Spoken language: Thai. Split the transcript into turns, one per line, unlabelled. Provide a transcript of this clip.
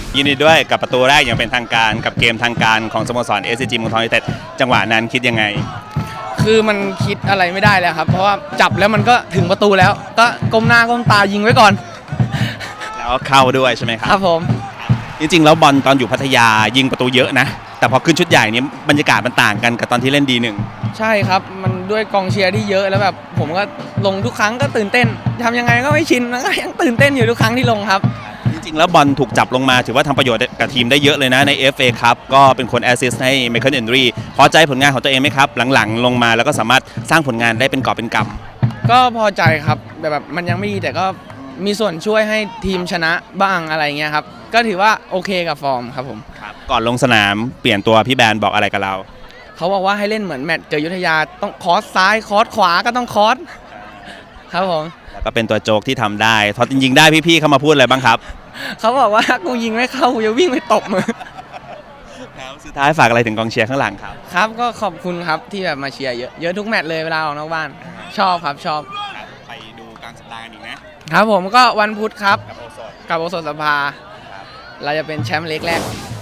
ยินดีด้วยกับประตูแรกอย่างเป็นทางการกับเกมทางการของสโมสร SCG เมืองทองยูไนเต็ดจังหวะนั้นคิดยังไง
คือมันคิดอะไรไม่ได้แล้วครับเพราะว่าจับแล้วมันก็ถึงประตูแล้วก็ก้มหน้าก้มตายิงไว้ก่อน
แล้วเข้าด้วยใช่ไหมครั
ครับผม
จริงๆแล้วบอลตอนอยู่พัทยายิงประตูเยอะนะแต่พอขึ้นชุดใหญ่นี้บรรยากาศมันต่างกันกับตอนที่เล่นD1
ใช่ครับมันด้วยกองเชียร์ที่เยอะแล้วแบบผมก็ลงทุกครั้งก็ตื่นเต้นทำยังไงก็ไม่ชินแล้วก็ยังตื่นเต้นอยู่ทุกครั้งที่ลงครับ
จริงๆแล้วบอลถูกจับลงมาถือว่าทำประโยชน์กับทีมได้เยอะเลยนะใน FA ครับก็เป็นคนแอสซิสต์ให้ไมเคิลเอนดรีพอใจผลงานของตัวเองไหมครับหลังๆลงมาแล้วก็สามารถสร้างผลงานได้เป็นกอบเป็นกำ
ก็พอใจครับแบบมันยังไม่ดีแต่ก็มีส่วนช่วยให้ทีมชนะบ้างอะไรเงี้ยครับก็ถือว่าโอเคกับฟอร์มครับผม
ก่อนลงสนามเปลี่ยนตัวพี่แบนบอกอะไรกับเรา
เขาบอกว่าให้เล่นเหมือนแมตช์เจอยุทธยาต้องคอสซ้ายคอสขวาก็ต้องคอสครับผม
แล้วก็เป็นตัวโจกที่ทำได้พอจริงๆได้พี่ๆเขามาพูดอะไรบ้างครับ
เขาบอกว่ากูยิงไม่เข้ากูจะวิ่งไปตบมือ
สุดท้ายฝากอะไรถึงกองเชียร์ข้างหลังครับ
ครับก็ขอบคุณครับที่แบบมาเชียร์เยอะทุกแมตช์เลยเวลาออกนอกบ้านชอบครับชอบ
ไปดูกลางสัปดาห์กันอีกนะครับ
ผมก็วันพุธครับกับโอสถสภาเราจะเป็นแชมป์เล็กแรก